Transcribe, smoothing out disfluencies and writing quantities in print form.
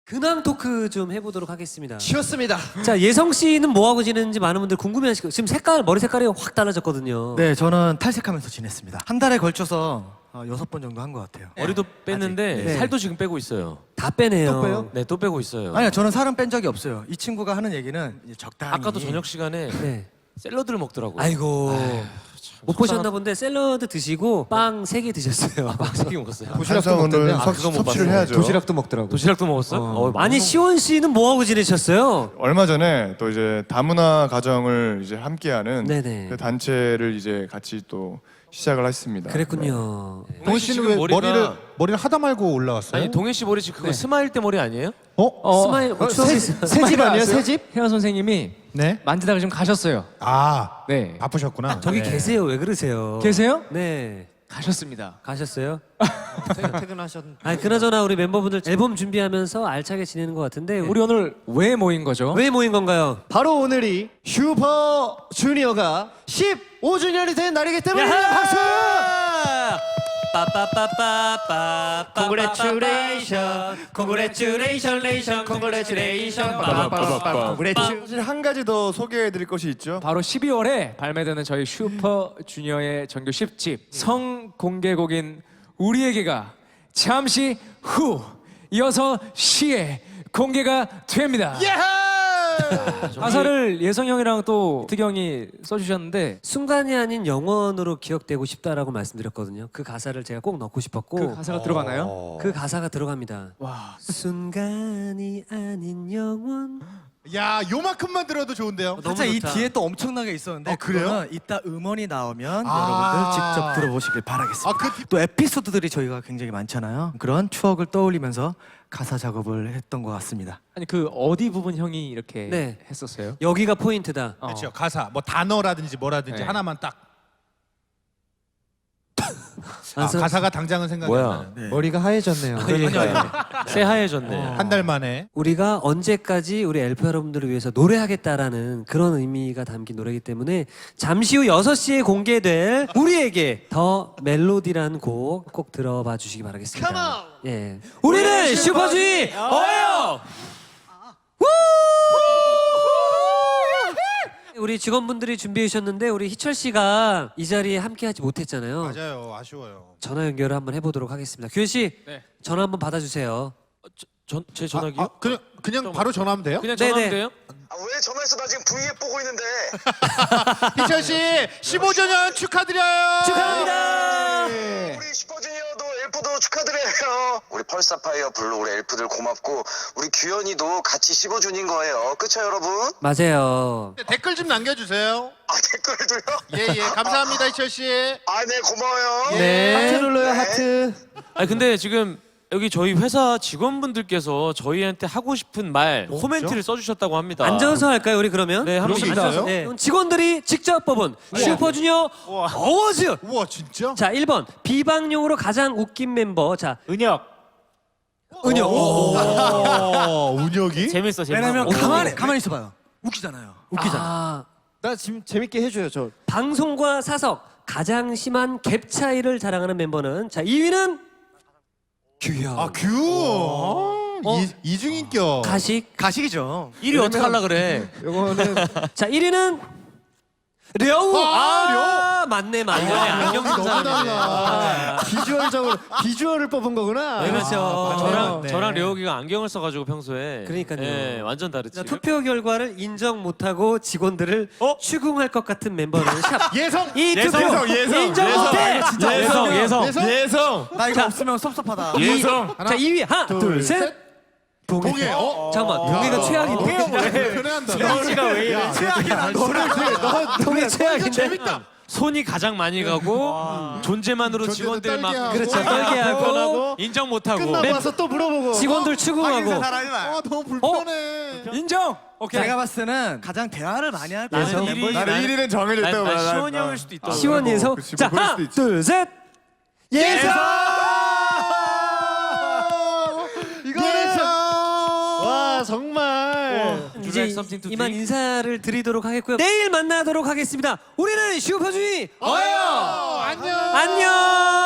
근황 토크 좀 해보도록 하겠습니다. 쉬었습니다. 자, 예성 씨는 뭐 하고 지내는지 많은 분들 궁금해하실 거예요. 지금 머리 색깔이 확 달라졌거든요. 네, 저는 탈색하면서 지냈습니다. 한 달에 걸쳐서 6번 정도 한 것 같아요. 머리도 뺐는데 네. 살도 지금 빼고 있어요. 다 빼네요. 또 빼요? 네, 또 빼고 있어요. 아니요, 저는 살은 뺀 적이 없어요. 이 친구가 하는 얘기는 이제 적당히. 아까도 저녁 시간에 네. 샐러드를 먹더라고요. 아이고. 못 보셨나 본데 샐러드 드시고 빵 3개 드셨어요. 빵 3개 먹었어요. 도시락도 오늘 아, 그거 못 섭취를 봤어요. 해야죠. 도시락도 먹더라고. 도시락도 먹었어? 아니 시원 씨는 뭐 하고 지내셨어요? 얼마 전에 또 이제 다문화 가정을 이제 함께하는 네네. 그 단체를 이제 같이 또 시작을 했습니다. 그랬군요. 동현 씨는 왜 머리를 하다 말고 올라왔어요? 아니 동현 씨 머리 지금 그거 스마일 때 머리 아니에요? 스마일 추억이 있어요. 새집 아니에요, 새집? 혜원 선생님이 네. 만지다가 지금 가셨어요. 아, 네. 바쁘셨구나. 저기 계세요. 왜 그러세요? 계세요? 네. 가셨습니다. 가셨어요? 퇴근하셨는데. 아니 그나저나 우리 멤버분들 앨범 준비하면서 알차게 지내는 것 같은데 우리 오늘 왜 모인 거죠? 왜 모인 건가요? 바로 오늘이 슈퍼주니어가 15주년이 된 날이기 때문에 박수! 빠빠빠빠빠 Congratulation, congratulation, congratulation, 사실 한 가지 더 소개해드릴 것이 있죠. 바로 12월에 발매되는 저희 슈퍼 주니어의 정규 10집 성공개곡인 우리에게가 잠시 후 6시에 공개가 됩니다. 가사를 예성 형이랑 또 득이 형이 써주셨는데 순간이 아닌 영원으로 기억되고 싶다라고 말씀드렸거든요. 그 가사를 제가 꼭 넣고 싶었고 그 가사가 들어가나요? 그 가사가 들어갑니다. 와. 순간이 아닌 영원. 야, 요만큼만 들어도 좋은데요. 너무 진짜 이 좋다. 뒤에 또 엄청나게 있었는데 그래요? 그거는 이따 음원이 나오면 아. 여러분들 직접 들어보시길 바라겠습니다. 또 에피소드들이 저희가 굉장히 많잖아요. 그런 추억을 떠올리면서 가사 작업을 했던 것 같습니다. 아니 그 어디 부분 형이 이렇게 네. 했었어요? 여기가 포인트다. 그렇죠. 가사, 뭐 단어라든지 뭐라든지 네. 하나만 딱. 완성- 가사가 당장은 생각이 뭐야? 안 나요. 네. 머리가 하얘졌네요. 새하얘졌네. 한 달 만에. 우리가 언제까지 우리 엘프 여러분들을 위해서 노래하겠다라는 그런 의미가 담긴 노래이기 때문에 잠시 후 6시에 공개될 우리에게 더 멜로디라는 곡 꼭 들어봐 주시기 바라겠습니다. 예. 우리는 슈퍼주의 어예요. 우리 직원분들이 준비해 주셨는데 우리 희철 씨가 이 자리에 함께하지 못했잖아요. 맞아요. 아쉬워요. 전화 연결을 한번 해보도록 하겠습니다. 규현 씨, 네. 전화 한번 받아주세요. 제 전화기요? 그냥 바로 전화하면 돼요? 그냥 네네. 전화하면 돼요? 아, 왜 전화했어? 나 지금 V앱 보고 있는데. 희철 씨, 15주년 축하드려요. 축하합니다. 우리 슈퍼주니어도 엘프도 축하드려요. 우리 펄사파이어 블루 우리 엘프들 고맙고 우리 규현이도 같이 15주년 거예요. 그쵸 여러분? 맞아요. 댓글 좀 남겨주세요. 아 댓글도요? 예, 감사합니다, 희철 씨. 아 네 고마워요. 네. 하트 눌러요, 네. 하트. 아니 근데 지금 여기 저희 회사 직원분들께서 저희한테 하고 싶은 말 코멘트를 써주셨다고 합니다. 앉아서 할까요, 우리 그러면? 네, 한번 그런 게 앉아서. 있어요? 네. 그럼 직원들이 직접 뽑은 슈퍼주니어 어워즈. 우와, 진짜? 자, 1번 비방용으로 가장 웃긴 멤버. 자, 은혁. 은혁. 운혁이? 재밌어. 왜냐면 어떤 가만히 있어봐요. 웃기잖아요. 웃기잖아. 아, 나 지금 재밌게 해줘요, 저. 방송과 사석 가장 심한 갭 차이를 자랑하는 멤버는 자 2위는 규현. 아, 이중인격. 가식. 가식이죠. 1위 어떻게 하려 그래? 요거는 자 1위는 려우. 맞네. 안경 쓴 너무 사람이네. 달라. 비주얼을 뽑은 거구나. 네, 그렇죠. 저랑 려욱이가 안경을 써가지고 평소에. 그러니까요. 예, 완전 다르지. 자, 투표 결과를 인정 못하고 직원들을 추궁할 것 같은 멤버는 샵. 예성. 이 투표 인정 못해. 예성. 나 이거 없으면 섭섭하다. 자 2위 하나 둘 셋. 동해. 잠깐만 동해가 최악인데. 편해한다. 너가 왜 이래? 최악이야. 동해 최악인데. 재밌다. 손이 가장 많이 가고 존재만으로 존재도 직원들 막 떨게 그렇죠. 하고. 떨게 하고 인정 못하고. 끝나고 와서 또 물어보고. 직원들 추궁하고. 너무 불편해. 인정. 오케이. 제가 봤을 때는 가장 대화를 많이 할 나는 거예요. 일위. 나는 1위는 정해져 있다고 봐. 시원이 형일 수도 있다. 시원이에서 그치, 자 뭐 그럴 하나 수도 있지. 둘 셋. 예성. 와 정말. 이제 something to 이만 drink? 인사를 드리도록 하겠고요. 내일 만나도록 하겠습니다. 우리는 슈퍼주의 어요. 안녕. 안녕.